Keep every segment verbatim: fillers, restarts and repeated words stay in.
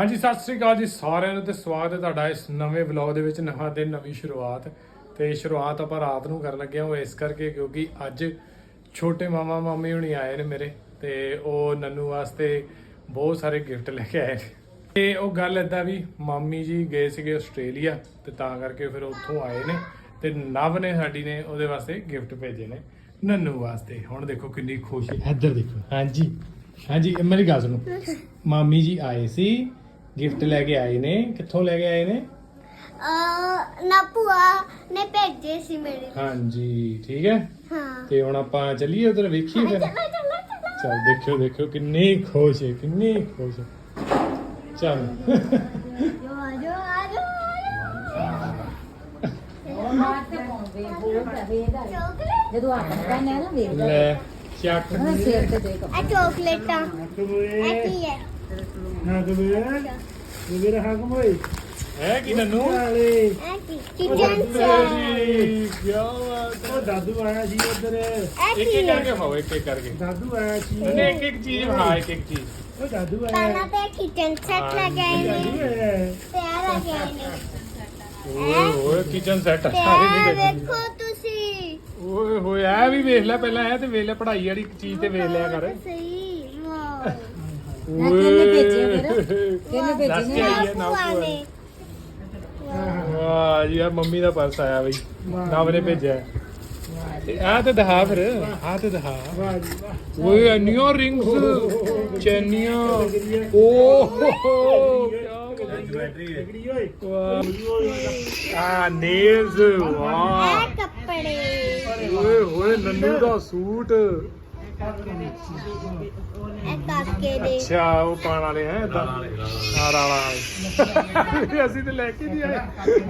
ਹਾਂਜੀ ਸਤਿ ਸ੍ਰੀ ਅਕਾਲ ਜੀ ਸਾਰਿਆਂ ਨੂੰ ਤੇ ਸਵਾਗਤ ਹੈ ਤੁਹਾਡਾ ਇਸ ਨਵੇਂ ਵਲੌਗ ਦੇ ਵਿੱਚ। ਨਵਾਂ ਦਿਨ ਨਵੀਂ ਸ਼ੁਰੂਆਤ ਤੇ ਸ਼ੁਰੂਆਤ ਆਪਾਂ ਰਾਤ ਨੂੰ ਕਰਨ ਲੱਗੇ ਹਾਂ ਉਹ ਇਸ ਕਰਕੇ ਕਿਉਂਕਿ ਅੱਜ ਛੋਟੇ ਮਾਮਾ ਮਾਮੀ ਹੁਣੀ ਆਏ ਨੇ ਮੇਰੇ ਤੇ ਉਹ ਨੰਨੂ ਵਾਸਤੇ ਬਹੁਤ ਸਾਰੇ ਗਿਫਟ ਲੈ ਕੇ ਆਏ ਨੇ। ਤੇ ਉਹ ਗੱਲ ਏਦਾਂ ਵੀ ਮਾਮੀ ਜੀ ਗਏ ਸੀਗੇ ਆਸਟ੍ਰੇਲੀਆ ਤੇ ਤਾਂ ਕਰਕੇ ਫਿਰ ਉੱਥੋਂ ਆਏ ਨੇ ਤੇ ਨਵ ਨੇ ਸਾਡੀ ਨੇ ਉਹਦੇ ਵਾਸਤੇ ਗਿਫਟ ਭੇਜੇ ਨੇ ਨੰਨੂ ਵਾਸਤੇ। ਹੁਣ ਦੇਖੋ ਕਿੰਨੀ ਖੁਸ਼ ਹੈ, ਇੱਧਰ ਦੇਖੋ। ਹਾਂਜੀ ਹਾਂਜੀ ਮੇਰੀ ਗੱਲ ਸੁਣੋ, ਮਾਮੀ ਜੀ ਆਏ ਸੀ ਗਿਫਟ ਲੈ ਕੇ ਆਏ ਨੇ। ਕਿੱਥੋਂ ਲੈ ਕੇ ਆਏ ਨੇ? ਅ ਨਾ ਭੂਆ ਨੇ ਭੇਜੇ ਸੀ ਮੇਰੇ। ਹਾਂਜੀ ਠੀਕ ਹੈ। ਹਾਂ ਤੇ ਹੁਣ ਆਪਾਂ ਚੱਲੀਏ ਉਧਰ ਵੇਖੀਏ ਫਿਰ। ਚਲ ਦੇਖਿਓ ਦੇਖਿਓ ਕਿੰਨੀ ਖੁਸ਼ ਹੈ, ਕਿੰਨੀ ਖੁਸ਼ ਹੈ। ਚਲ ਜੋ ਜੋ ਆਜੋ ਜਦੋਂ ਆਪਾਂ ਕਹਿੰਦੇ ਆ ਨਾ ਵੇਖ ਲੈ ਚੱਕ ਨਾ ਸਿਰ ਤੇ ਦੇਖ ਆ ਚਾਕਲੇਟਾਂ ਇਹ ਕੀ ਹੈ? ਨਾ ਕਬੀਰ ਕਬੀਰ ਹਾਕਮ ਹੋਏ ਹੈ ਕਿ ਨੰਨੂ ਵਾਲੇ ਇਹ ਕੀ ਕਿਚਨ ਜੀ ਕੀ ਬਾਤ ਉਹ ਦਾਦੂ ਆਇਆ ਸੀ ਉਧਰ ਇਹ ਇੱਕ ਕੀ ਇੱਕ ਹੈ? ਕਰਕੇ ਖਾਓ, ਇੱਕ ਇੱਕ ਕਰਕੇ। ਦਾਦੂ ਆਇਆ ਸੀ ਉਹਨੇ ਇੱਕ ਇੱਕ ਚੀਜ਼ ਖਾ, ਇੱਕ ਇੱਕ ਚੀਜ਼। ਉਹ ਦਾਦੂ ਪਹਿਲਾਂ ਆਇਆ ਤੇ ਕਿਚਨ ਸੈੱਟ ਲੈ ਕੇ ਆਏ ਦਾਦੂ ਨੇ ਆਇਆ ਤੇ ਆ ਲੈ ਕੇ ਆਏ ਨੇ। ਓਏ ਹੋਏ ਕਿਚਨ ਸੈੱਟ ਤੇ ਸਾਰੇ ਇਹ ਨਹੀਂ ਵੇਖੋ ਤੁਸੀਂ। ਓਏ ਹੋਏ ਆ ਵੀ ਵੇਖ ਲੈ ਪਹਿਲਾਂ, ਇਹ ਤੇ ਵੇਖ ਲੈ ਪੜ੍ਹਾਈ ਵਾਲੀ ਚੀਜ਼ ਤੇ ਵੇਖ ਲਿਆ ਕਰ। ਸਹੀ ਵਾਹ ਕਿਹਨੇ ਭੇਜੇ ਫਿਰ? ਕਿਹਨੇ ਭੇਜੇ ਦੱਸ ਨੇ? ਕੇ ਆਈ ਹੈ ਨਾ ਭੂਆ ਭੂਆ ਨੇ। ਨੇ। ਵਾਹ ਜੀ ਆ ਮੰਮੀ ਦਾ ਪਰਸ ਆਇਆ ਬਈ, ਨਵ ਨੇ ਭੇਜਿਆ। ਤੇ ਆ ਤੇ ਦਿਖਾ ਫਿਰ, ਆ ਤੇ ਦਿਖਾ। ਵਾਹ ਜੀ ਵਾਹ ਓਏ ਇੰਨੀਆਂ ਰਿੰਗਸ ਚੈਨੀਆਂ। ਓਹ ਤਗੜੀ ਓਏ ਵਾਹ ਆ ਨੇਲਸ। ਵਾਹ ਇਹ ਕੱਪੜੇ ਓਏ ਹੋਏ ਨੰਨੂ ਦਾ ਸੂਟ। ਇਹ ਕਾਕੇ ਦੇ। ਅੱਛਾ ਉਹ ਪਾਣ ਵਾਲੇ ਹੈ ਦਾਲ ਵਾਲੇ। ਅਸੀਂ ਤੇ ਲੈ ਕੇ ਨਹੀਂ ਆਏ।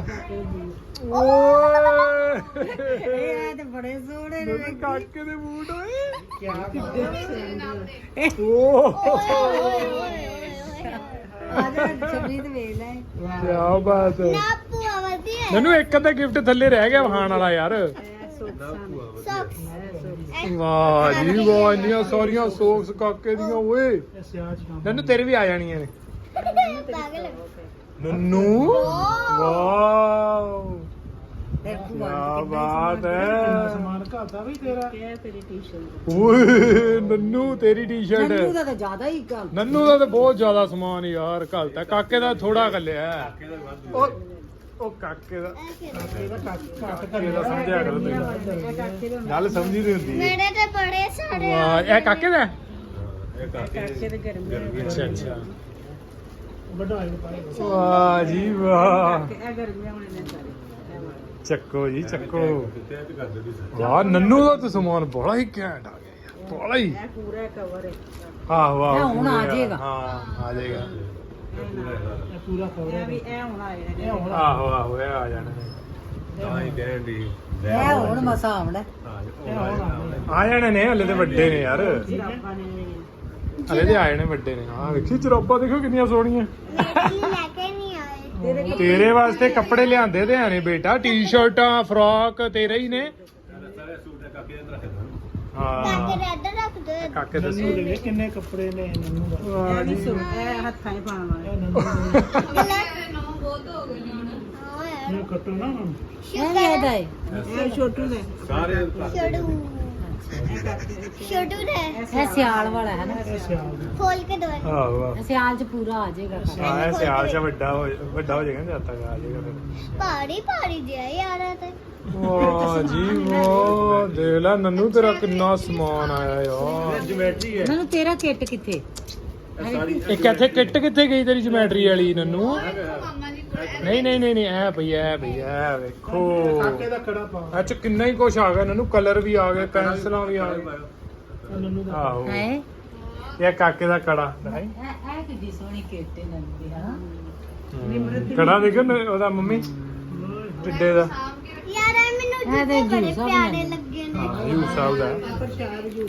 ਓਏ ਇਹ ਤੇ ਬੜੇ ਸੋਹਣੇ ਨੇ। ਮੇਰੇ ਕਾਕੇ ਦੇ ਬੂਟ ਓਏ। ਕੀ ਓਹ ਓਏ ਓਏ ਓਏ ਓਏ ਆ ਜਾ ਛਬਰੀ ਤੇ ਵੇਖ ਲੈ। ਕੀ ਬਾਤ ਹੈ। ਨਾ ਭੂਆ ਵਧੀਆ ਹੈ। ਮੈਨੂੰ ਇੱਕ ਅੱਧਾ ਗਿਫਟ ਥੱਲੇ ਰਹਿ ਗਿਆ ਵਹਾਣ ਵਾਲਾ ਯਾਰ। ਸੌਕਸ ਵਾਹ ਜੀ ਵਾਹ ਇੰਨੀਆਂ ਸਾਰੀਆਂ ਸੌਕਸ ਕਾਕੇ ਦੀਆਂ ਓਏ। ਸਿਆਜ ਕੰਮ ਨੰਨੂ ਤੇਰੇ ਵੀ ਆ ਜਾਣੀਆਂ ਨੇ। ਪਾਗਲ ਨੰਨੂ ਵਾਓ ਤੇ ਕੀ ਭੂਆ ਬਾਤ ਹੈ। ਸਮਾਨ ਘਾਤਾ ਵੀ ਤੇਰਾ ਓਏ ਨੰਨੂ ਤੇਰੀ ਨੰਨੂ ਟੀ-ਸ਼ਰਟ। ਦਾ ਤਾਂ ਜ਼ਿਆਦਾ ਹੀ ਗੱਲ। ਨੰਨੂ ਦਾ ਤਾਂ ਬਹੁਤ ਜ਼ਿਆਦਾ ਸਮਾਨ ਯਾਰ ਘਲਤਾ। ਕਾਕੇ ਦਾ ਥੋੜਾ ਘੱਲਿਆ। ਉਹ ਉਹ ਕਾਕੇ ਦਾ ਕਾਕੇ ਦਾ ਸਮਝਿਆ ਕਰੋ ਤੁਸੀਂ। ਗੱਲ ਸਮਝੀ ਨਹੀਂ ਹੁੰਦੀ। ਮੇਰੇ ਤੇ ਬੜੇ ਸਾਰੇ ਵਾਹ ਇਹ ਕਾਕੇ ਦਾ? ਕਾਕੇ ਦੇ ਗਰਮੀ ਅੱਛਾ ਅੱਛਾ ਵੱਡਾ ਇਹ ਪਾਏ ਵਾਹ ਜੀ ਵਾਹ। ਇਹ ਗਰਮੀਆਂ ਹੋਣੇ ਨੇ ਸਾਰੇ। ਚੱਕੋ ਜੀ ਚੱਕੋ। ਵਾਹ ਨੰਨੂ ਦਾ ਤਾਂ ਸਮਾਨ ਬੜਾ ਹੀ ਘੈਂਟ ਆ ਗਿਆ ਯਾਰ, ਬੜਾ ਹੀ। ਇਹ ਪੂਰਾ ਕਵਰ ਹੈ। ਆਹ ਵਾਹ ਇਹ ਹੁਣ ਆ ਜਾਏਗਾ। ਹਾਂ ਆ ਜਾਏਗਾ। ਇਹ ਪੂਰਾ ਕਵਰ ਇਹ ਵੀ ਇਹ ਹੁਣ ਆਏ ਨੇ। ਇਹ ਹੁਣ ਆਹੋ ਆਹੋ ਇਹ ਆ ਜਾਣਾ। ਇਹ ਹੁਣ ਮਸਾ ਆਉਣਾ। ਇਹ ਹੁਣ ਆ ਜਾਣੇ ਨੇ, ਹਲੇ ਤੇ ਵੱਡੇ ਨੇ ਯਾਰ, ਜਰਾਬਾਂ ਨੇ। ਹਲੇ ਤੇ ਆਏ ਨੇ ਵੱਡੇ ਨੇ। ਹਾਂ ਵੇਖੀ ਜਰਾਬਾਂ ਦੇਖੋ ਕਿੰਨੀਆਂ ਸੋਹਣੀਆਂ। ਮੇਰੇ ਲਈ ਲੈ ਕੇ ਨਹੀਂ ਆਏ। ਤੇਰੇ ਵਾਸਤੇ ਕੱਪੜੇ ਲਿਆਂਦੇ ਤੇ ਆਣੇ ਬੇਟਾ, ਟੀ-ਸ਼ਰਟਾਂ ਫਰਾਕ ਤੇਰੇ ਹੀ ਨੇ। ਹਾਂ ਕਾਕੇ ਦੇ ਇੱਧਰ ਰੱਖ ਦੋ। ਕਾਕੇ ਨੰਨੂ ਦੱਸੋ। ਦੇ ਵੇਖ ਕਿੰਨੇ ਕੱਪੜੇ ਨੇ ਨੰਨੂ ਦਾ ਵਾਹ ਇਹ ਜੀ ਨਹੀਂ ਸੁਣ ਇਹ ਹੱਥਾਂ 'ਚ ਪਾਉਣ ਵਾਲੇ। ਇਹ ਨੰਨੂ ਦੇ ਹਾਂ ਯਾਰ ਨੂੰ ਕੱਟੋ ਨਾ ਹੁਣ ਇਹ ਇਹਦਾ ਹੈ। ਇਹ ਛੋਟੂ ਦਾ ਛੋੜੂ ਛੋਟੂ ਦੇ ਇਹ ਸਿਆਲ ਵਾਲਾ ਹੈ ਨਾ। ਇਹ ਸਿਆਲ ਦਾ ਖੋਲ ਕੇ ਦੋ। ਆਹੋ ਆਹੋ। ਇਹ ਸਿਆਲ 'ਚ ਪੂਰਾ ਆ ਜਾਏਗਾ। ਹਾਂ ਇਹ ਸਿਆਲ ਚ ਵੱਡਾ ਹੋ ਵੱਡਾ ਹੋ ਜਾਏਗਾ ਜਦ ਤੱਕ ਆ ਜਾਏਗਾ ਫਿਰ। ਭਾਰੀ ਭਾਰੀ ਜਿਹਾ ਯਾਰ ਇਹ ਤੇ। ਵਾਹ ਜੀ ਵਾਹ ਦੇਖ ਲੈ ਨੰਨੂ ਤੇਰਾ ਕਿੰਨਾ ਸਮਾਨ ਆਇਆ ਯਾਰ। ਮੈਨੂੰ ਤੇਰਾ ਕਿੱਟ ਕਿੱਥੇ? ਇੱਕ ਇੱਥੇ ਕਿੱਟ ਕਿੱਥੇ ਗਈ ਤੇਰੀ ਜਿਓਮੈਟਰੀ ਵਾਲੀ ਨੰਨੂ? ਨਹੀਂ ਨਹੀਂ ਨਹੀਂ ਨਹੀਂ ਐ ਭਈ ਐ ਭਈ ਐ ਵੇਖੋ ਕਾਕੇ ਦਾ ਕੜਾ ਪਾ ਇਹ ਚ ਕਿੰਨਾ ਹੀ ਕੁਛ ਆ ਗਿਆ ਨੰਨੂ। ਕਲਰ ਵੀ ਆ ਗਏ, ਪੈਨਸਲਾਂ ਵੀ ਆ ਗਏ। ਇਹ ਨੰਨੂ ਦਾ ਆਹੋ ਹੈ ਇਹ ਕਾਕੇ ਦਾ ਕੜਾ ਨਹੀਂ ਇਹ ਇਹ ਕਿੱਡੀ ਸੋਹਣੀ ਕਿੱਟ ਹੈ ਨੰਨੂ ਦੀ ਹਾਂ। ਕੜਾ ਦੇਖੋ ਨ- ਉਹਦਾ ਮੰਮੀ ਟਿੱਡੇ ਦਾ। ਯਾਰ ਇਹ ਮੈਨੂੰ ਇਹ ਤੇ ਜੁੱਤੇ ਬੜੇ ਜੂਸ ਆ ਪਿਆਰੇ ਬਣਾਏ। ਲੱਗੇ ਨੇ। ਹਾਂ ਯੂ ਸਾਹਿਬ ਦਾ ਪ੍ਰਸ਼ਾਦ ਜੂਸ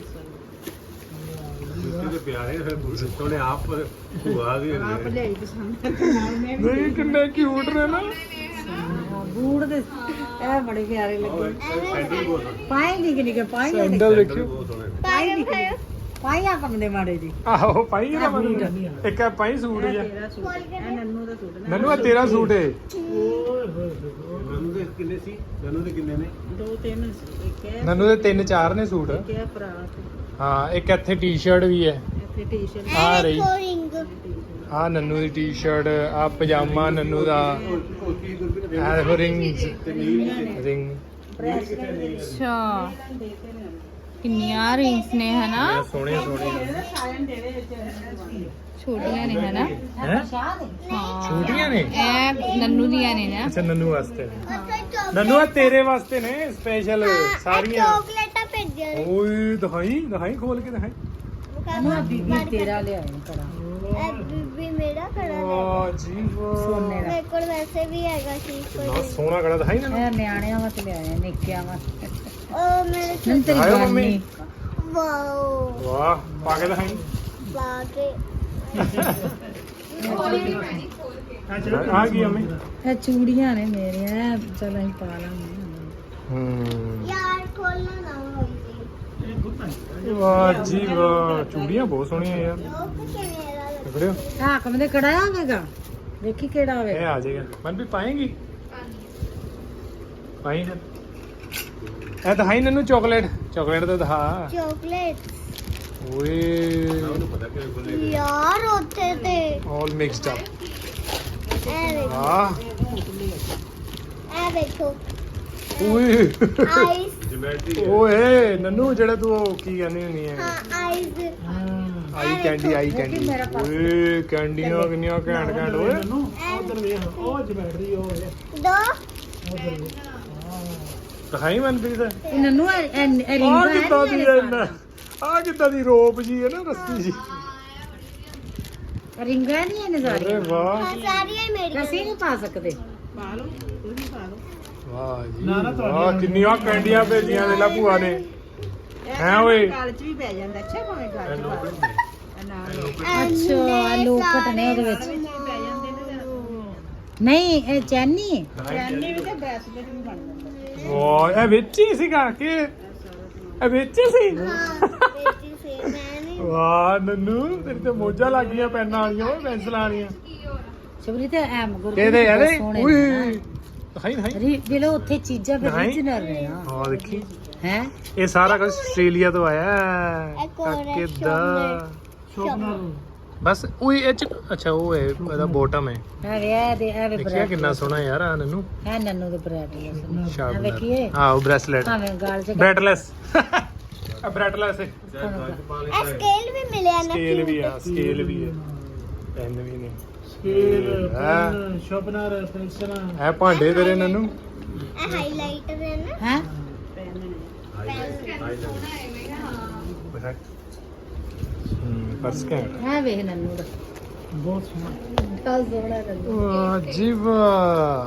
ਪਿਆਰੇ ਫਿਰ ਸੋਹਣੇ ਆਪ ਭੂਆ ਵੀ ਆਪ ਲਈ ਪਸੰਦ ਨਾਲ ਮੈਂ ਵੀ ਨਹੀਂ ਕਿੰਨੇ ਕਿਊਟ ਨੇ ਨਾ। ਬੂਟ ਦੇ ਇਹ ਬੜੇ ਪਿਆਰੇ ਲੱਗੇ। ਸੈਂਡਲ ਬਹੁਤ ਸੋਹਣੇ ਪਾਏ ਨਿੱਕੇ ਨਿੱਕੇ ਪਾਏ ਨੇ। ਸੈਂਡਲ ਦੇਖਿਓ। ਬਹੁਤ ਸੋਹਣੇ ਪਾ ਕੇ ਖਾਓ। ਪਾਈਆ ਕੰਮ ਦੇ ਮਾੜੇ ਜੀ ਆਹੋ ਪਾਈ ਇਹਦਾ ਮਤਲਬ ਇੱਕ ਆ ਪਾਈ ਸੂਟ ਜਿਹਾ ਤੇਰਾ ਸੂਟ ਇਹ ਨੰਨੂ ਦਾ ਸੂਟ ਨਨੂ ਆ ਤੇਰਾ ਸੂਟ ਏ ਨਨੂ ਦੇ ਕਿੰਨੇ ਸੀ ਨਨੂ ਦੇ ਕਿੰਨੇ ਨੇ ਦੋ ਤਿੰਨ ਸੀ ਇੱਕ ਹੈ ਨਨੂ ਦੇ ਤਿੰਨ ਚਾਰ ਨੇ ਸੂਟ ਇੱਕ ਹੈ ਫਰਾਕ ਹਾਂ ਇੱਕ ਇੱਥੇ ਟੀ-ਸ਼ਰਟ ਵੀ ਹੈ ਇੱਥੇ ਟੀ-ਸ਼ਰਟ ਆ ਰਹੀ ਰਿੰਗ ਆ ਨਨੂ ਦੀ ਟੀ-ਸ਼ਰਟ ਆ ਪਜਾਮਾ ਨਨੂ ਦਾ ਕੋਟੀ ਗੁਰਬੀ ਆ ਦੇਖੋ ਰਿੰਗਸ ਤੇ ਨੀਲ ਰਿੰਗ ਅੱਛਾ ਕਿੰਨੀਆਂ ਰਿੰਗਸ ਨੇ ਹਨਾ ਸੋਹਣੇ ਸੋਹਣੇ ਸਾਇਨ ਦੇ ਦੇ ਵਿੱਚ ਛੋਟੀਆਂ ਨੇ ਹਨਾ ਹੈ ਸ਼ਾਹ ਦੇ ਹਾਂ ਛੋਟੀਆਂ ਨੇ ਇਹ ਨੰਨੂ ਦੀਆਂ ਨੇ ਨਾ ਅੱਛਾ ਨਨੂ ਵਾਸਤੇ ਨੇ ਨਨੂ ਆ ਤੇਰੇ ਵਾਸਤੇ ਨੇ ਸਪੈਸ਼ਲ ਸਾਰੀਆਂ ਚਾਕਲੇਟਾਂ ਭੇਜੀਆਂ ਨੇ ਓਏ ਦਿਖਾਈ ਦਿਖਾਈ ਖੋਲ ਕੇ ਦਿਖਾਈ ਨਾ ਬੀਬੀ ਤੇਰਾ ਲਿਆਏ ਕੜਾ ਇਹ ਬੀਬੀ ਮੇਰਾ ਖੜਾ ਲੈ ਵਾਹ ਜੀ ਵਾਹ ਸੋਨੇ ਦਾ ਮੇਰੇ ਕੋਲ ਵੈਸੇ ਵੀ ਹੈਗਾ ਸੀ ਕਿੰਨਾ ਸੋਹਣਾ ਕੜਾ ਦਿਖਾਈ ਨਨੂ ਇਹ ਨਿਆਣਿਆਂ ਵਾਸਤੇ ਲਿਆਏ ਨਿੱਕਿਆਂ ਵਾਸਤੇ ਉਹ ਮੇਰੇ ਨੰ ਤੇਰੀ ਆਇਓ ਜਾਨ ਮੰਮੀ। ਨਹੀਂ ਵਾਓ ਵਾਹ ਪਾ ਕੇ ਦਿਖਾਈ ਬਾਕੇ ਆ ਗਈ ਅਮੀ ਇਹ ਚੂੜੀਆਂ ਨੇ ਮੇਰੀਆਂ ਚਲ ਅਸੀਂ ਪਾ ਲਾਂਗੇ ਹੂੰ ਯਾਰ ਖੋਲਣਾ ਨਾ ਹੋਵੇ ਵਾਹ ਜੀ ਵਾਹ ਚੂੜੀਆਂ ਬਹੁਤ ਸੋਹਣੀਆਂ ਯਾਰ ਲੋਕ ਕਿਵੇਂ ਦਾ ਲੱਗ ਦੇਖੜਿਓ ਹਾਕਮ ਦੇ ਕੜਾ ਆਵੇਗਾ ਵੇਖੀ ਕਿਹੜਾ ਆਵੇ ਇਹ ਆ ਜਾਏਗਾ ਮਨ ਵੀ ਪਾਏਗੀ ਪਾਈ ਫਿਰ ਇਹ ਦਿਖਾਈ ਨਨੂ ਚਾਕਲੇਟ ਚਾਕਲੇਟ ਤਾਂ ਦਿਖਾ ਚਾਕਲੇਟ ਓਏ ਉਹਨੂੰ ਪਤਾ ਕਿ ਬੋਲੇ ਯਾਰ ਉੱਥੇ ਤੇ ਆਲ ਮਿਕਸਡ ਅਪ ਇਹ ਵੇਖੋ ਵਾਹ ਇਹ ਵੇਖੋ ਓਏ ਆਈਸ ਜਿਮੈਟਰੀ ਓਏ ਨਨੂ ਜਿਹੜਾ ਤੂੰ ਉਹ ਕੀ ਕਹਿੰਦੀ ਹੁੰਦੀ ਹੈ ਹਾਂ ਆਈਸ ਆਈ ਕੈਂਡੀ ਆਈ ਕੈਂਡੀ ਓਏ ਕੈਂਡੀਆਂ ਕਿੰਨੀਆਂ ਘੈਂਟ ਘੈਂਟ ਓਏ ਉਧਰ ਵੇਖ ਉਹ ਜਮੈਟਰੀ ਉਹ ਹੈ ਦੋ ਦਿਖਾਈ ਮਨਪ੍ਰੀਤ ਇਹ ਨੰਨੂ ਇਹ ਇਹ ਆ ਰਿੰਗਾਂ ਕਿੱਦਾਂ ਦੀ ਹੈ ਇਹਨਾਂ ਆ ਕਿੱਦਾਂ ਦੀ ਰੋਪ ਜੀ ਹੈ ਨਾ ਰਸਤੀ ਜੀ ਰਿੰਗਾਂ ਨਹੀਂ ਇਹਨੇ ਅਰੇ ਸਾਰੀਆਂ ਵਾਹ ਹਾਂ ਸਾਰੀਆਂ ਹੀ ਮੇਰੀਆਂ ਅਸੀਂ ਨਹੀਂ ਪਾ ਸਕਦੇ ਵਾਹ ਜੀ ਨਾ, ਨਾ, ਤੁਹਾਡੀ ਵਾਹ ਕਿੰਨੀਆਂ ਕੈਂਡੀਆਂ ਭੇਜੀਆਂ ਨੇ ਲਾ ਭੂਆ ਨੇ ਹੈ ਓਏ ਗਲ ਚ ਵੀ ਪੈ ਜਾਂਦਾ ਅੱਛਾ ਭਾਵੇਂ ਗਲ ਚ ਪਾ ਐਨੇ ਅੱਛਾ, ਲੋਕਟ ਨੇ ਉਹਦੇ ਵਿੱਚ। ਸਾਰੇ ਨਹੀਂ ਇਹ ਚੈਨੀ ਹੈ ਚੈਨੀ ਵੀ ਤੇ ਬ੍ਰੈਸਲੇਟ ਵੀ ਬਣ ਜਾਂਦਾ ਵਾਹ ਇਹ ਵਿੱਚ ਹੀ ਸੀਗਾ ਕਿ ਇਹ ਵਿੱਚ ਹੀ ਸੀ ਹਾਂ ਬੇਟੀ ਸੇ ਮੈਂ ਨਹੀਂ ਵਾਹ ਨੰਨੂ ਤੇਰੀ ਤੇ ਮੋਜਾਂ ਲੱਗ ਗਈਆਂ ਪੈਨਾਂ ਵਾਲੀਆਂ ਓਏ ਪੈਨਸਲਾਂ ਵਾਲੀਆਂ ਸ਼ਬਰੀ ਤੇ ਐ ਮਗਰ ਕਿਹਦੇ ਇਹਦੇ ਓਏ ਦਿਖਾਈ ਦਿਖਾਈ ਰੀ ਦਿਲੋ ਉੱਥੇ ਚੀਜ਼ਾਂ ਫਿਰ ਨਹੀਂ। ਰੀਜਨਲ ਨੇ ਨਾ ਹਾਂ ਦੇਖੀ ਹੈ ਇਹ ਸਾਰਾ ਕੁਝ ਆਸਟ੍ਰੇਲੀਆ ਤੋਂ ਆਇਆ ਹੈ ਇੱਕ ਹੋਰ ਹੈ ਕਿੱਦਾਂ ਸ਼ੋਪਨਰ ਬਸ ਓਏ ਇਹ ਚ ਅੱਛਾ ਉਹ ਹੈ ਇਹਦਾ ਬੋਟਮ ਹੈ ਆ ਵੇ ਇਹ ਦੇ ਇਹ ਵੇ ਦੇਖਿਆ ਕਿੰਨਾ ਸੋਹਣਾ ਯਾਰ ਆ ਨੰਨੂ ਹੈ ਨੰਨੂ ਦੇ ਬ੍ਰੈਸਲੇਟ ਆ ਸ਼ਾਬਾਸ਼ ਵੇਖੀਏ ਆਹ ਬ੍ਰੈਸਲੇਟ ਭਾਵੇਂ ਗਾਲ ਚ ਬ੍ਰੈਟਲੈਸ ਆ ਬ੍ਰੈਟਲੈਸ ਹੈ ਇਹ ਸਕੇਲ ਵੀ ਮਿਲਿਆ ਨਾ ਸਕੇਲ ਵੀ ਆ ਸਕੇਲ ਵੀ ਹੈ ਪੈਨ ਵੀ ਨੇ ਸਕੇਲ ਹਾਂ। ਪੈਨ ਸ਼ਾਰਪਨਰ ਪੈਨਸਲਾਂ ਇਹ ਭਾਂਡੇ ਤੇਰੇ ਨੰਨੂ ਇਹ ਹਾਈਲਾਈਟਰ ਹੈ ਨਾ ਹੈ ਹੂੰ ਪਰਸ ਕੈਂਟ ਹੈ ਵੇਖ ਨੰਨੂ ਦਾ ਬਹੁਤ ਸੋਹਣਾ ਕੱਲ ਸੋਹਣਾ ਨੰਨੂ ਵਾਹ ਜੀ ਵਾਹ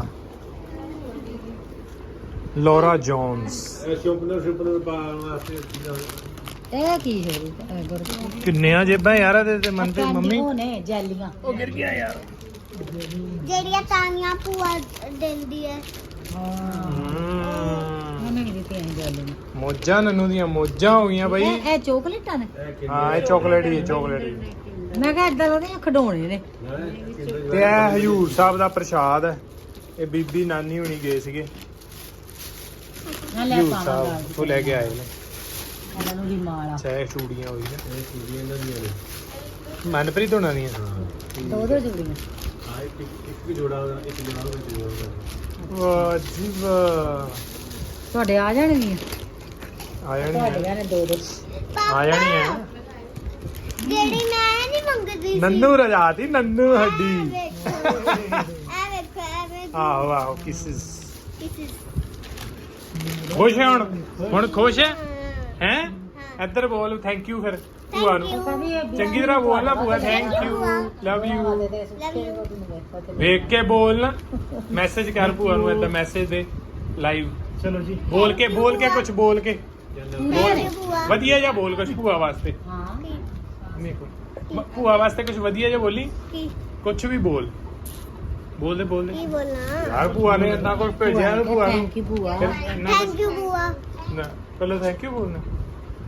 ਲੋਰਾ ਜੌਨਸ ਸ਼ੋਪਨਰ ਸ਼ੋਪਨਰ ਪਾਉਣ ਵਾਸਤੇ ਇਹ ਕੀ ਹੈ ਇਹ ਗੁਰ ਕਿੰਨੀਆਂ ਜੇਬਾਂ ਯਾਰ ਇਹਦੇ ਤੇ ਮਨ ਤੇ ਮੰਮੀ ਉਹ ਨੇ ਜੈਲੀਆਂ ਉਹ ਗਿਰ ਗਿਆ ਯਾਰ ਜਿਹੜੀਆਂ ਤਾਨੀਆਂ ਭੂਆ ਦਿੰਦੀ ਹੈ ਹਾਂ ਹਮ, ਉਹਨੇ ਵੀ ਦਿੱਤੀਆਂ ਸੀ ਜੈਲੀਆਂ ਮੋਜਾਂ ਨੰਨੂ ਦੀਆਂ ਮੋਜਾਂ ਹੋ ਗਈਆਂ ਬਾਈ ਇਹ ਇਹ ਚੋਕਲੇਟਾਂ ਨੇ ਹਾਂ ਇਹ ਚਾਕਲੇਟ ਹੀ ਹੈ ਚਾਕਲੇਟ ਹੀ ਮੈਂ ਕਿਹਾ ਏਦਾਂ ਉਹਦੇ ਖਿਡੌਣੇ ਨੇ ਤੇ ਇਹ ਹਜੂਰ ਸਾਹਿਬ ਦਾ ਪ੍ਰਸ਼ਾਦ ਹੈ ਇਹ ਬੀਬੀ ਨਾਨੀ ਹੁਣੀ ਗਏ ਸੀਗੇ ਮੈਂ ਲੈ ਹਜੂਰ ਪਾਵਾਂਗਾ ਸਾਹਿਬ ਉਹ ਲੈ ਕੇ ਆਏ ਨੇ ਇਹਨਾਂ ਨੂੰ ਵੀ ਮਾਲਾ ਚਾਹੇ ਚੂੜੀਆਂ ਹੋਈ ਨਾ ਇਹ ਚੀਜ਼ਾਂ ਇਹਨਾਂ ਦੀਆਂ ਨੇ ਮਨਪ੍ਰੀਤ ਹੋਣਾ ਦੀਆਂ ਦੋ ਦੋ ਜੁੜੀਆਂ ਹਾਂ ਇੱਕ ਇੱਕ ਵੀ ਜੋੜਾ ਉਹਦਾ, ਇੱਕ ਜੋੜਾ ਵਿੱਚ ਜੋੜਾ ਵਾਹ ਜੀ ਵਾਹ ਤੁਹਾਡੇ ਆ ਜਾਣਗੀਆਂ ਆ ਜਾਣੀ ਤੁਹਾਡੀਆਂ ਹੈ ਨੇ ਦੋ ਦੋ ਆ ਜਾਣੀ ਹੈ ਜਿਹੜੀ ਮੈਂ ਨਹੀਂ ਮੰਗਦੀ ਸੀ ਨੰਨੂ ਰਜਾਤੀ ਨੰਨੂ ਇਹ ਹੱਡੀ ਵੇਖੋ ਇਹ ਵੇਖੋ ਇਹ ਵੇਖੋ ਆਹੋ ਆਹੋ ਕਿਸਿਸ This is- ਖੁਸ਼ ਹੈ ਹੁਣ ਹੁਣ ਖੁਸ਼ ਹੈ ਹਾਂ। ਹੈ ਇੱਧਰ ਬੋਲ ਥੈਂਕ ਯੂ ਫਿਰ ਭੂਆ ਨੂੰ you. ਚੰਗੀ ਤਰ੍ਹਾਂ ਬੋਲ ਨਾ ਭੂਆ thank you love you Love you. ਵੇਖ ਕੇ ਬੋਲ ਨਾ ਮੈਸੇਜ ਕਰ ਭੂਆ ਨੂੰ ਏਦਾਂ ਮੈਸੇਜ ਦੇ ਲਾਈਵ ਚਲੋ ਜੀ ਬੋਲ ਕੇ ਬੋਲ ਕੇ ਕੁਝ ਬੋਲ ਕੇ Love you, ਭੂਆ। ਵਧੀਆ ਜਿਹਾ ਬੋਲ ਕੁਝ ਭੂਆ ਵਾਸਤੇ ਹਾਂ ਨਹੀਂ ਕੋਈ ਭੂਆ ਵਾਸਤੇ ਕੁਝ ਵਧੀਆ ਜਿਹਾ ਬੋਲੀ ਕੀ ਕੁਝ ਵੀ ਬੋਲ ਬੋਲ ਦੇ ਬੋਲ ਦੇ ਕੀ ਬੋਲਣਾ ਯਾਰ ਭੂਆ ਨੇ ਇੰਨਾ ਕੁਝ ਭੇਜਿਆ ਨਾ ਭੂਆ ਨੂੰ ਥੈਂਕ ਯੂ ਭੂਆ ਫਿਰ ਇੰਨਾ ਕੁਛ- ਥੈਂਕ ਯੂ ਭੂਆ ਨਾ ਪਹਿਲਾਂ ਥੈਂਕ ਯੂ ਬੋਲਣਾ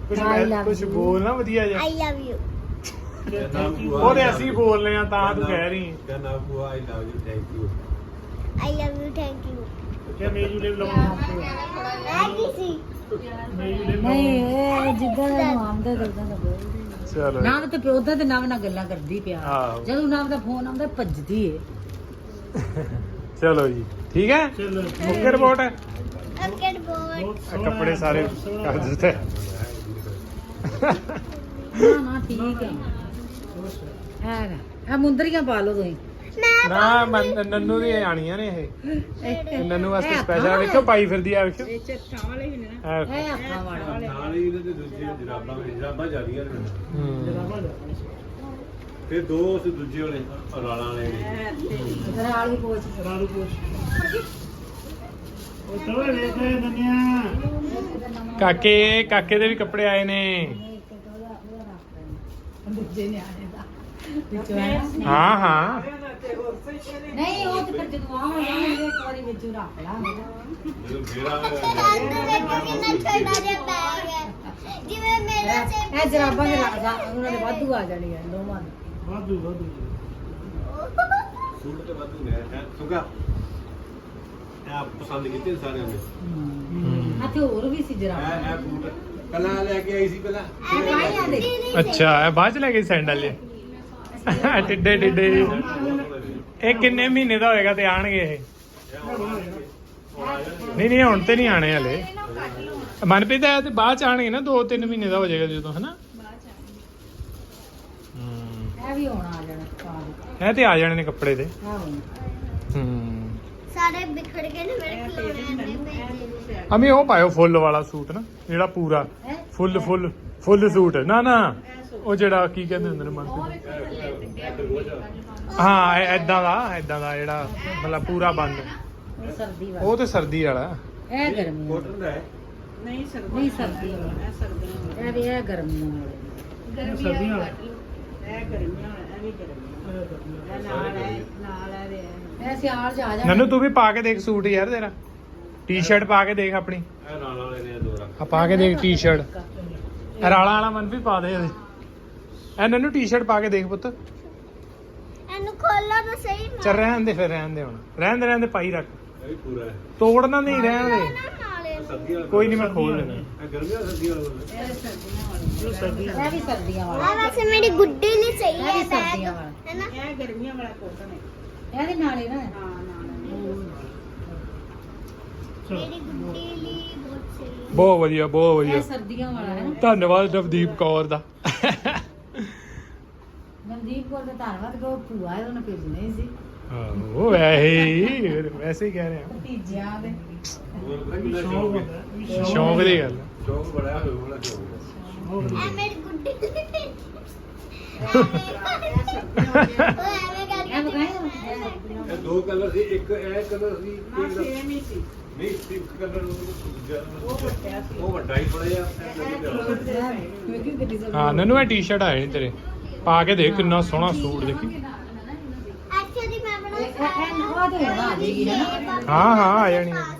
ਕੁਝ I love ਕੁਝ you. ਬੋਲ ਨਾ ਵਧੀਆ ਜਿਹਾ ਆਈ ਲਵ ਯੂ ਉਹਦੇ ਅਸੀਂ ਬੋਲਨੇ ਆ ਤਾਂ ਤੂੰ ਕਹਿ ਰਹੀ ਕਹਿੰਦਾ ਬੁਆ I love you thank you I love you thank you ਕਿਆ ਮੇਜੂ ਲੈ ਲਾਉਣਾ ਮੈਂ ਕੀ ਸੀ ਮੇਜੂ ਲੈ ਨਹੀਂ ਇਹ ਜਿੱਦਾਂ ਦਾ ਨਾਮ ਦਾ ਦਰਦਾਂ ਦਾ ਬੋਲਦੀ ਚਲੋ ਨਾਮ ਤੇ ਪਿਓ ਦਾ ਤੇ ਨਾਮ ਨਾਲ ਗੱਲਾਂ ਕਰਦੀ ਪਿਆ ਆਹੋ। ਜਦੋਂ ਨਾਮ ਦਾ ਫੋਨ ਆਉਂਦਾ ਭੱਜਦੀ ਏ ਚਲੋ ਜੀ ਠੀਕ ਹੈ ਚਲੋ ਮੁੱਕੇ ਰਿਪੋਰਟ ਹੈ ਓਕੇ ਬੋਲ ਬਹੁਤ ਆਹ ਸੋਹਣਾ ਕੱਪੜੇ ਸਾਰੇ ਬਹੁਤ ਸੋਹਣਾ। ਕਰ ਦਿੱਤੇ ਨਾ ਨਾ ਠੀਕ ਹੈ ਹੈ ਇਹ ਮੁੰਦਰੀਆਂ ਪਾ ਲਓ ਤੁਸੀਂ ਮੈਂ ਨਾ ਮੈਂ- ਨੰਨੂ ਦੀ ਆਣੀਆਂ ਨੇ ਇਹ ਇਹ ਨੰਨੂ ਵਾਸਤੇ ਸਪੈਸ਼ਲ ਵੇਖੋ ਪਾਈ ਫਿਰਦੀ ਆ ਵੇਖੋ ਇਹ ਚੱਟਾਂ ਵਾਲੇ ਹੀ ਨੇ ਨਾ ਆਹ ਇਹ ਆਪਾਂ ਵਾਲਾ ਨਾਲ ਹੀ ਇਹਦੇ ਤੇ ਦੂਜੇ ਜਰਾਬਾਂ ਜਰਾਬਾਂ ਜਾਂਦੀਆਂ ਨੇ ਹੂੰ। ਜਰਾਬਾਂ ਜਾ। ਤੇ ਦੋ ਉਸ ਦੂਜੇ ਵਾਲੇ ਰਾਲਾਂ ਵਾਲੇ ਨੇ ਇਧਰ ਵਾਲੀ ਪੋਚ ਰਾਰੂ ਪੁੱਛ ਉਹ ਤੋਏ ਵੇਖ ਨੰਨਿਆ ਕਾਕੇ ਕਾਕੇ ਦੇ ਵੀ ਕੱਪੜੇ ਆਏ ਨੇ ਦੂਜੇ ਨਿਆਣੇ ਦਾ ਵਿੱਚੋਂ ਹੈ ਨਾ। ਹਾਂ ਹਾਂ ਨਹੀਂ ਉਹ ਤੇ ਫਿਰ ਜਦੋਂ ਆਵਾਂਗੇ ਇੱਕ ਵਾਰੀ ਵਿੱਚ ਰੱਖ ਲਾਂਗੇ ਜਦੋਂ ਫੇਰ ਆ ਕਿੰਨਾ ਛੋਟਾ ਜਿਹਾ ਬੈਗ ਹੈ ਜਿਵੇਂ ਮੇਰਾ ਸੇ ਇਹ ਜਰਾਬਾਂ ਦੇ ਰਾ- ਰਾ- ਉਹਨਾਂ ਦੇ ਵਾਧੂ ਆ ਜਾਣੀਆਂ ਦੋਵਾਂ ਦੇ ਵਾਧੂ ਵਾਧੂ ਸੂਟ ਤੇ ਵਾਧੂ ਨੇ ਹੈ ਸੁਗਾ ਇਹ ਪਸੰਦ ਕੀਤੇ ਨੇ ਸਾਰਿਆਂ ਨੇ ਅਤੇ ਹੋਰ ਵੀ ਸੀ ਜਰਾਬਾਂ ਇਹ ਇਹ ਬੂਟ ਪਹਿਲਾਂ ਲੈ ਕੇ ਆਈ ਸੀ ਪਹਿਲਾਂ ਇਹ ਕਾਹੀਆਂ ਦੇ ਅੱਛਾ ਇਹ ਬਾਅਦ ਚ ਲੈ ਗਈ ਸੈਂਡਲ ਇਹ ਟਿੱਡੇ ਟਿੱਡੇ ਇਹ ਕਿੰਨੇ ਮਹੀਨੇ ਦਾ ਹੋਏਗਾ ਤੇ ਆਣਗੇ ਇਹ ਨਹੀਂ ਨਹੀਂ ਹੁਣ ਤੇ ਨਹੀਂ ਆਣੇ ਹਲੇ ਮਨਪ੍ਰੀਤ ਇਹ ਤੇ ਬਾਅਦ ਚ ਆਣਗੇ ਨਾ ਦੋ ਤਿੰਨ ਮਹੀਨੇ ਦਾ ਹੋ ਜਾਏਗਾ ਜਦੋਂ ਹਨਾ ਹੂੰ ਇਹ ਵੀ ਹੋਣਾ ਆ ਜਾਣਾ ਪਾ ਇਹ ਤੇ ਆ ਜਾਣੇ ਨੇ ਕੱਪੜੇ ਤੇ ਹਾਂ ਹੂੰ ਸਾਰੇ ਵਿਖੜ ਗਏ ਨੇ ਮੇਰੇ ਖਿਡੌਣਿਆਂ ਦੇ ਭੇਜੇ ਅਮੀ ਉਹ ਪਾਇਓ ਫੁੱਲ ਵਾਲਾ ਸੂਟ ਨਾ ਜਿਹੜਾ ਪੂਰਾ ਹੈ ਫੁੱਲ ਫੁੱਲ ਫੁੱਲ ਸੂਟ ਨਾ ਨਾ ਉਹ ਜਿਹੜਾ ਕੀ ਕਹਿੰਦੇ ਹੁੰਦੇ ਨੇ ਮਨਪ੍ਰੀਤ ਹਾਂ ਐਦਾਂ ਦਾ ਐਦਾਂ ਦਾ ਜਿਹੜਾ ਮਤਲਬ ਪੂਰਾ ਬੰਦ ਉਹ ਸਰਦੀ ਵਾਲਾ ਉਹ ਤੇ ਸਰਦੀ ਵਾਲਾ ਇਹ ਗਰਮੀ ਵਾਲਾ ਕੋਟਨ ਦਾ ਹੈ ਨਹੀਂ ਸਰਦੀ ਵਾਲਾ ਇਹ ਸਰਦੀਆਂ ਇਹ ਵੀ ਇਹ ਗਰਮੀਆਂ ਵਾਲਾ ਸਰਦੀਆਂ ਵਾਲਾ ਇਹ ਸਿਆਲ ਚ ਆ ਜਾ ਨੰਨੂ ਤੂੰ ਵੀ ਪਾ ਕੇ ਦੇਖ ਸੂਟ ਯਾਰ ਤੇਰਾ ਟੀ-ਸ਼ਰਟ ਪਾ ਕੇ ਦੇਖ ਆਪਣੀ ਇਹ ਰਾਲਾਂ ਵਾਲੇ ਨੇ ਦੋ ਰੱਖ ਆ ਪਾ ਕੇ ਦੇਖ ਟੀ-ਸ਼ਰਟ ਇਹ ਰਾਲਾ ਵਾਲਾ ਮਨ ਵੀ ਪਾ ਦੇ ਇਹਦੇ ਇਹ ਨੰਨੂ ਟੀ-ਸ਼ਰਟ ਪਾ ਕੇ ਦੇਖ ਪੁੱਤ ਇਹਨੂੰ ਖੋਲੋ ਤਾਂ ਸਹੀ ਮੈਂ ਚੱਲ ਰਹਿਣ ਦੇ ਫਿਰ ਰਹਿਣ ਦੇ ਹੁਣ ਰਹਿਣ ਦੇ ਰਹਿਣ ਦੇ ਪਾਈ ਰੱਖ ਇਹ ਵੀ ਪੂਰਾ ਹੈ ਤੋੜਨਾ ਨਹੀਂ ਰਹਿਣ ਦੇ ਨਾਲੇ ਨੂੰ ਸਰਦੀਆਂ ਵਾਲਾ ਕੋਈ ਨਹੀਂ ਮੈਂ ਖੋਲ ਦੇਣਾ ਇਹ ਗਰਮੀਆਂ ਸਰਦੀਆਂ ਵਾਲਾ ਜੋ ਸਰਦੀਆਂ ਇਹ ਵੀ ਸਰਦੀਆਂ ਵਾਲਾ ਆ ਵੈਸੇ ਮੇਰੀ ਗੁੱਡੀ ਲਈ ਸਹੀ ਇਹ ਹੈ ਵੀ ਬੈਗ ਸਰਦੀਆਂ ਵਾਲਾ ਹੈ ਨਾ ਇਹਦੇ ਨਾਲ ਹੀ ਨਾ ਮੇਰੀ ਗੁੱਡੀ ਲਈ ਬਹੁਤ ਸਹੀ ਹੈ ਬਹੁਤ ਵਧੀਆ ਬਹੁਤ ਇਹ ਵਧੀਆ ਸਰਦੀਆਂ ਵਾਲਾ ਹੈ ਨਾ ਧੰਨਵਾਦ ਨਵਦੀਪ ਕੌਰ ਦਾ ਮਨਦੀਪ ਕੋਲ ਤਾਂ ਧੰਨਵਾਦ ਕੋ ਭੂਆ ਹੈ ਉਹਨੇ ਭੇਜਣਾ ਹੀ ਸੀ ਉਹ ਵੈਸੇ ਹੀ ਵੈਸੇ ਹੀ ਕਹਿ ਰਹੇ ਆ ਭਤੀਜਿਆਂ ਦੇ ਹੋਰ ਪਤਾ ਕਿੰਨਾ ਸ਼ੌਕ ਸ਼ੌਕ ਹੁੰਦਾ ਹੈ ਹੈ, ਵੀ ਸ਼ੌਂਕ ਦੀ ਗੱਲ ਸ਼ੌਕ ਬੜਾ ਹੋਇਆ ਵਾਲਾ ਸ਼ੌਕ ਹੈ ਇਹ ਮੇਰੀ ਗੁੱਡੀ ਲਈ ਉਹ ਐਵੇਂ ਇਹ ਕਰਕੇ ਬਕਾਇਆ ਇਹ ਦੋ ਕਲਰ ਸੀ ਇੱਕ ਇਹ ਕਲਰ ਸੀ ਨਾ ਸੇਮ ਹੀ ਸੀ ਨਹੀਂ ਇੱਕ ਕਲਰ ਉਹ ਵੱਡਾ ਸੀ ਉਹ ਵੱਡਾ ਹੀ ਪੜਿਆ ਮੈਂ ਕਿਉਂ ਗੱਡੀ ਸਭ ਹਾਂ ਨੰਨੂ ਇਹ ਟੀ-ਸ਼ਰਟ ਆਏ ਨੇ ਤੇਰੇ ਪਾ ਕੇ ਦੇਖ ਕਿੰਨਾ ਸੋਹਣਾ ਸੂਟ ਦੇਖੀ ਐਕਚੁਅਲੀ ਮੈਂ ਬਣਾ ਇਹ ਉਹ ਤੇ ਹੋਣਾ ਆ ਜਾਏਗੀ ਹੈ ਨਾ ਹਾਂ ਹਾਂ ਆ ਜਾਣੀ ਆ।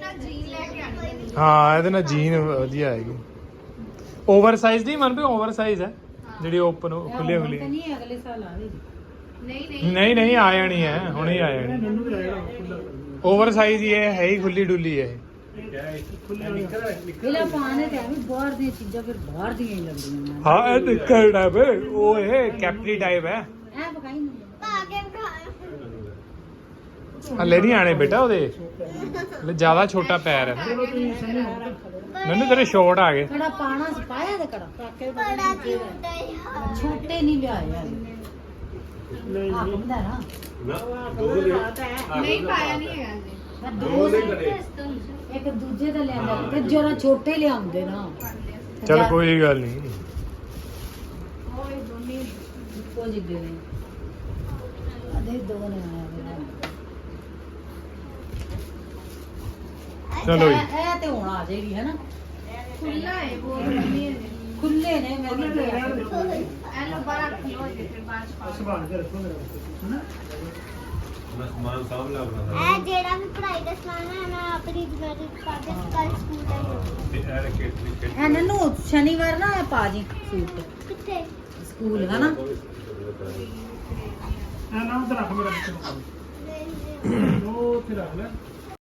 ਹਾਂ ਇਹਦੇ ਨਾਲ ਜੀਨ ਵਧੀਆ ਆਏਗੀ ਓਵਰ ਸਾਈਜ਼ ਦੀ ਮਨ ਵੀ ਓਵਰ ਸਾਈਜ਼ ਹੈ ਜਿਹੜੀ ਓਪਨ ਖੁੱਲੇ ਹੁਣ ਖੁੱਲੇ ਤਾਂ ਨਹੀਂ ਅਗਲੇ ਸਾਲ ਆਵੇਗੀ ਨਹੀਂ ਨਹੀਂ ਆ ਜਾਣੀ ਹੈ ਹੁਣੇ ਆ ਜਾਣੀ ਮੈਨੂੰ ਵੀ ਆਇਆ ਖੁੱਲਾ ਓਵਰ ਸਾਈਜ਼ ਹੀ ਹੈ ਹੈ ਹੀ ਖੁੱਲੀ ਡੁੱਲੀ ਹੈ ਖੁੱਲੇ ਇਹਲਾ ਪਾਣੇ ਤੇ ਵੀ ਬਾਹਰ ਦੀਆਂ ਚੀਜ਼ਾਂ ਫਿਰ ਬਾਹਰ ਦੀਆਂ ਹੀ ਲੱਗਦੀਆਂ ਨੇ ਹਾਂ ਇਹ ਨਿੱਕਰ ਟਾਈਪ ਹੈ ਉਹ ਇਹ ਕੈਪਰੀ ਟਾਈਪ ਹੈ ਇਹ ਬਕਾਈ ਨਹੀਂ ਪਾ ਕੇ ਬਿਠਾਇਆ ਹਲੇ ਨਹੀਂ ਆਣੇ ਬੇਟਾ ਉਹਦੇ ਹਲੇ ਜ਼ਿਆਦਾ ਛੋਟਾ ਪੈਰ ਹੈ ਮੈਨੂੰ ਤੇਰੇ ਸ਼ੋਰਟ ਆ ਗਏ ਕੜਾ ਪਾਣਾ ਸੀ ਪਾਇਆ ਤੇ ਕੜਾ ਬੜਾ ਕਿਊਟ ਹੈ ਯਾਰ ਛੋਟੇ ਨਹੀਂ ਲਿਆਏ ਯਾਰ ਨਹੀਂ ਆਹ ਹੁੰਦਾ ਨਾ ਨਾ ਦੋ ਦੇ ਨਹੀਂ ਪਾਇਆ ਨਹੀਂ ਹੈਗਾ ਜੀ ਮੈਂ ਦੋ ਦੋ ਦੇ ਘੜੇ ਇੱਕ ਦੂਜੇ ਦਾ ਲਿਆਂਦਾ ਤੇ ਜਰਾ ਛੋਟੇ ਲਿਆਉਂਦੇ ਨਾ ਚਲ ਕੋਈ ਗੱਲ ਨਹੀਂ ਇੱਕੋ ਜਿਹੇ ਨੇ ਅਦੇ ਦੋ ਨੇ ਆਇਆ ਮੇਰਾ ਚਲੋ ਜੀ। ਇਹ ਇਹ ਤੇ ਹੁਣ ਆ ਜਾਏਗੀ ਹੈ ਨਾ ਖੁੱਲਾ ਹੈ ਬੋਲ ਨਹੀਂ ਹੈ ਖੁੱਲੇ ਨੇ ਮੈਂ ਵੀ ਲਿਆ ਐਲੋ ਬੜਾ ਖੁੱਲੋ ਜੇ ਫਿਰ ਬਾਅਦ ਚ ਪਾਓ ਸੰਭਾਲ ਕੇ ਰੱਖੋ ਮੇਰਾ ਹਨਾ ਆਪਣਾ ਸਮਾਨ ਸਾਂਭ ਲਿਆ ਆਪਣਾ ਇਹ ਜਿਹੜਾ ਵੀ ਪੜ੍ਹਾਈ ਦਾ ਸਮਾਨ ਹੈ ਮੈਂ ਆਪਣੀ ਜ਼ਿੰਮੇਵਾਰੀ ਪਾ ਕੇ ਕੱਲ ਸਕੂਲ ਦਾ ਹੀ ਤੇ ਇਹ ਰੱਖੇ ਤੇ ਇਹਨਾਂ ਨੂੰ ਸ਼ਨੀਵਾਰ ਨਾ ਪਾ ਜੀ ਸੂਟ ਕਿੱਥੇ ਸਕੂਲ ਦਾ ਨਾ ਆ ਨਾ ਉਧਰ ਰੱਖ ਮੇਰਾ ਬੱਚਾ ਉਹ ਉੱਥੇ ਰੱਖ ਲੈ